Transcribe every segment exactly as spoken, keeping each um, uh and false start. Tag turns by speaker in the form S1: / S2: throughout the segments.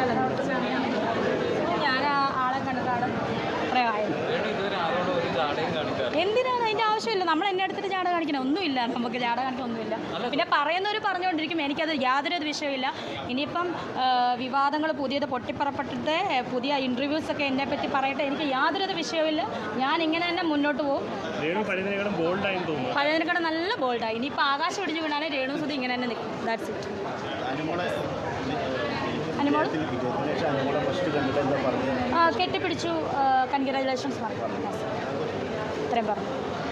S1: ഞാൻ ആ ആളെ കണ്ടിട്ടാണ് അത്രയായത്. എന്തിനാണ് അതിൻ്റെ ആവശ്യമില്ല. നമ്മൾ എന്നെ എടുത്തിട്ട് ജാട കാണിക്കണം ഒന്നുമില്ല. നമുക്ക് ജാട കാണിക്കാൻ ഒന്നുമില്ല. പിന്നെ പറയുന്നവർ പറഞ്ഞുകൊണ്ടിരിക്കും, എനിക്കത് യാതൊരു വിഷയമില്ല. ഇനിയിപ്പം വിവാദങ്ങൾ പുതിയത് പൊട്ടിപ്പുറപ്പെട്ടിട്ട് പുതിയ ഇൻ്റർവ്യൂസൊക്കെ എന്നെ പറ്റി പറയട്ടെ, എനിക്ക് യാതൊരു വിഷയമില്ല. ഞാൻ ഇങ്ങനെ തന്നെ മുന്നോട്ട് പോകും. പഴയതിനെക്കാളും നല്ല ബോൾഡായി. ഇനിയിപ്പോൾ ആകാശം ഒടിഞ്ഞു വീണാലും രേണു സുധി ഇങ്ങനെ തന്നെ നിൽക്കും. That's it. അനുമോൾ ആ കെട്ടിപ്പിടിച്ചു, കൺഗ്രാജുലേഷൻസ് പറഞ്ഞു, ഇത്രയും പറഞ്ഞു.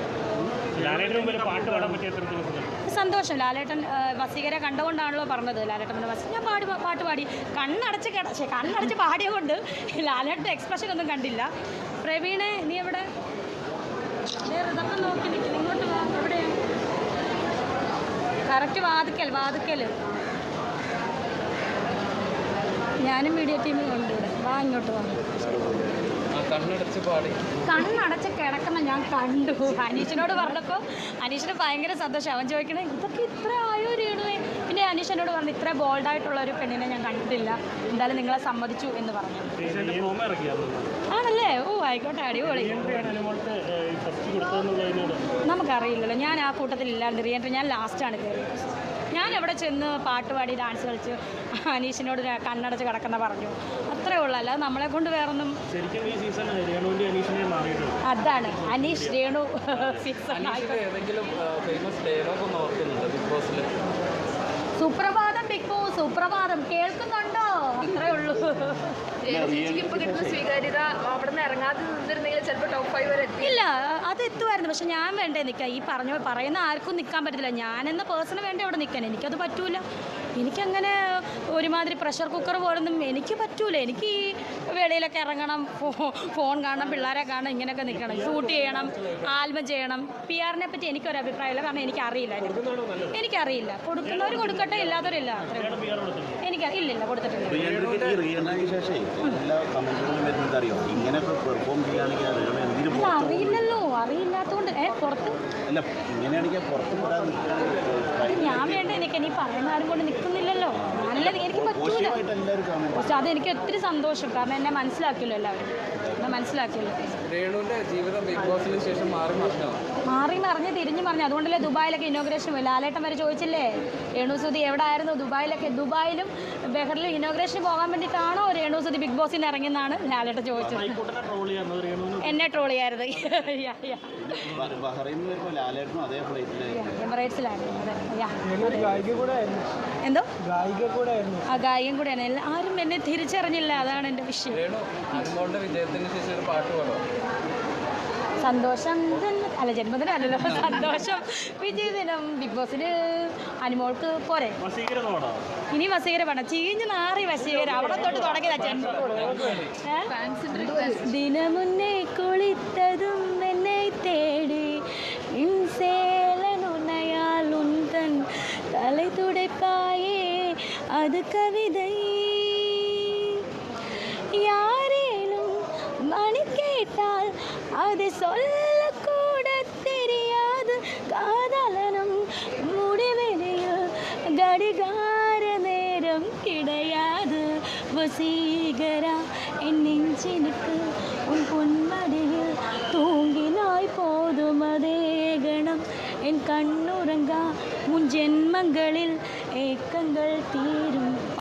S1: സന്തോഷം. ലാലേട്ടൻ വസീകരെ കണ്ടുകൊണ്ടാണല്ലോ പറഞ്ഞത്. ലാലേട്ടൻ പിന്നെ വസീ ഞാൻ പാടി പാട്ട് പാടി കണ്ണടച്ച് കിടച്ചേ കണ്ണടച്ച് പാടിയതുകൊണ്ട് ലാലേട്ടൻ എക്സ്പ്രഷൻ ഒന്നും കണ്ടില്ല. പ്രവീണെ നീ എവിടെ? ഇതൊക്കെ നോക്കി നിൽക്കും. ഇങ്ങോട്ട് വാ. എവിടെയാണ്? കറക്റ്റ് വാതിക്കൽ വാതിക്കൽ. ഞാനും മീഡിയ ടീമിൽ ഉണ്ട് ഇവിടെ. വാ ഇങ്ങോട്ട് വാ.
S2: കണ്ണടച്ച് പാടി
S1: കണ്ണടച്ച് കിടക്കുന്ന ഞാൻ കണ്ടു. അനീഷിനോട് പറഞ്ഞപ്പോൾ അനീഷിന് ഭയങ്കര സന്തോഷം. അവൻ ചോദിക്കണേ ഇതൊക്കെ ഇത്ര ആയോ രേണുവേ. പിന്നെ അനീഷിനോട് പറഞ്ഞു ഇത്ര ബോൾഡായിട്ടുള്ള ഒരു പെണ്ണിനെ ഞാൻ കണ്ടിട്ടില്ല, എന്തായാലും നിങ്ങളെ സമ്മതിച്ചു എന്ന് പറഞ്ഞു. ആണല്ലേ? ഓ ആയിക്കോട്ടെ, അടിപൊളി. നമുക്കറിയില്ലല്ലോ, ഞാൻ ആ കൂട്ടത്തിൽ ഇല്ലാണ്ട് റിയൻട്രി ഞാൻ ലാസ്റ്റാണ് കയറിയത്. ഞാൻ എവിടെ ചെന്ന് പാട്ട് പാടി ഡാൻസ് കളിച്ച് അനീഷിനോട് കണ്ണടച്ച് കിടക്കുന്ന പറഞ്ഞു, അത്രേ ഉള്ളൂ. അല്ലാതെ നമ്മളെ കൊണ്ട് വേറൊന്നും. അതാണ് അനീഷ് രേണു സീസൺ. സുപ്രഭാതം ബിഗ് ബോസ്, സുപ്രഭാതം കേൾക്കുന്നുണ്ടോ? അത്രേ ഉള്ളൂ.
S3: ഇപ്പൊ കിട്ടുന്ന സ്വീകാര്യത അവിടെ നിന്ന് ഇറങ്ങാതെ നിന്നിരുന്നെങ്കിൽ ചിലപ്പോൾ ടോപ്പ് ഫൈവ് വരെ
S1: ഇല്ല, അത് എത്തുമായിരുന്നു. പക്ഷെ ഞാൻ വേണ്ടേ നിൽക്കാൻ. ഈ പറഞ്ഞ പറയുന്ന ആർക്കും നിൽക്കാൻ പറ്റത്തില്ല. ഞാനെന്ന പേഴ്സണ് വേണ്ടേ അവിടെ നിൽക്കാൻ. എനിക്കത് പറ്റൂല. എനിക്കങ്ങനെ ഒരുമാതിരി പ്രഷർ കുക്കർ പോലൊന്നും എനിക്ക് പറ്റൂല. എനിക്ക് ഈ വെളിയിലൊക്കെ ഇറങ്ങണം, ഫോൺ കാണണം, പിള്ളേരെ കാണണം, ഇങ്ങനെയൊക്കെ നിൽക്കണം, ഷൂട്ട് ചെയ്യണം, ആൽബം ചെയ്യണം. പി ആറിനെ പറ്റി എനിക്കൊരു അഭിപ്രായമില്ല, കാരണം എനിക്കറിയില്ല. എനിക്കറിയില്ല. കൊടുക്കുന്നവർ കൊടുക്കട്ടെ, ഇല്ലാത്തവരില്ല. എനിക്ക് ഇല്ലില്ല, കൊടുത്തിട്ടില്ല. അറിയില്ലല്ലോ, അറിയില്ലാത്തതുകൊണ്ട് ഏ പുറത്ത് ഞാൻ വേണ്ട നിൽക്കാൻ. ഈ പറയുന്ന ആരും കൊണ്ട് നിൽക്കുന്നില്ലല്ലോ. നല്ല എനിക്ക് പറ്റൂല. പക്ഷെ അതെനിക്ക് ഒത്തിരി സന്തോഷം, കാരണം എന്നെ മനസ്സിലാക്കിയല്ലോ എല്ലാവരും. എന്നെ മനസ്സിലാക്കിയല്ലോ. മാറി മറിഞ്ഞ് തിരിഞ്ഞു പറഞ്ഞു. അതുകൊണ്ടല്ലേ ദുബായിലൊക്കെ ഇനോഗ്രേഷൻ പോയി. ലാലേട്ടൻ വരെ ചോദിച്ചില്ലേ രേണു സുധി എവിടെ ആയിരുന്നു ദുബായിലൊക്കെ. ദുബായിലും ബെഹറിലും ഇനോഗ്രേഷൻ പോകാൻ വേണ്ടിയിട്ടാണോ രേണു സുധി ബിഗ് ബോസിൽ നിന്ന് ഇറങ്ങിയെന്നാണ് ലാലേട്ടൻ ചോദിച്ചത്. എന്നെ ട്രോൾ ചെയ്യാറുണ്ട്. എമിറേറ്റ്സിലായിരുന്നു. എന്തോ ആ ഗായികം കൂടെയാണ്. ആരും എന്നെ തിരിച്ചറിഞ്ഞില്ല, അതാണ് എൻ്റെ വിഷയം. സന്തോഷം അല്ല, ജന്മദിനമല്ലല്ലോ, സന്തോഷം വിജയദിനം. ബിഗ് ബോസിന് അനുമോൾക്ക് പോരെ. ഇനി വസീകര വേണം. ചീഞ്ഞ് നാറി വസീകര അവിടെ തൊട്ട് തുടങ്ങിയതാ ജന്മം. ദിനമുന്നേ കുളിത്തതും എന്നെ തേടി சேலனுனையால் உந்தன் தலை துடைப்பாயே அது கவிதை. யாரேனும் மணி கேட்டால் அதை சொல்லக்கூட தெரியாது. காதலனும் முடிவெளியில் கடிகார நேரம் கிடையாது. வசீகரா என் நெஞ்சினுக்கு உன் பொன்மடியில் தூங்கினாய் போதும் அதே கணம். என் கண்ணுறங்கா முன் ஜென்மங்களில் ஏக்கங்கள் தீரும்.